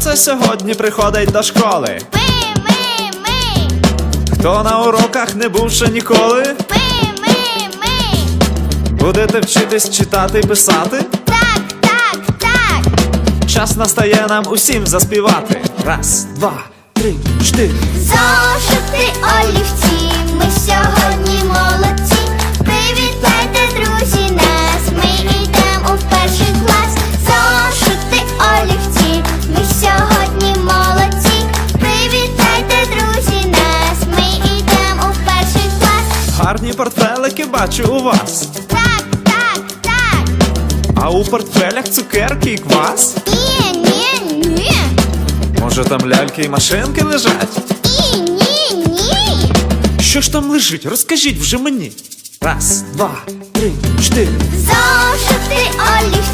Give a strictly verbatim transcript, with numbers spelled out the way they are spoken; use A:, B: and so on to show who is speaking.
A: це сьогодні приходить до школи?
B: Ми, ми, ми.
A: Хто на уроках не був ще ніколи?
B: Ми, ми, ми.
A: Будете вчитись читати і писати?
B: Так, так, так.
A: Час настає нам усім заспівати. Раз, два, три, чотири.
B: Зошити, олівці, ми сьогодні молодці. Привітайте, друзі, нас, ми йдемо у перший клас. Зошити, олівці, ми сьогодні молодці. Привітайте, друзі, нас, ми йдемо у перший клас.
A: Гарні портфелики бачу у вас.
B: Так, так, так.
A: А у портфелях цукерки і квас?
B: Ні, ні, ні.
A: Може там ляльки і машинки лежать?
B: Ні, ні, ні.
A: Що ж там лежить? Розкажіть вже мені. Раз, два, три, чотири.
B: Зошити, олівці.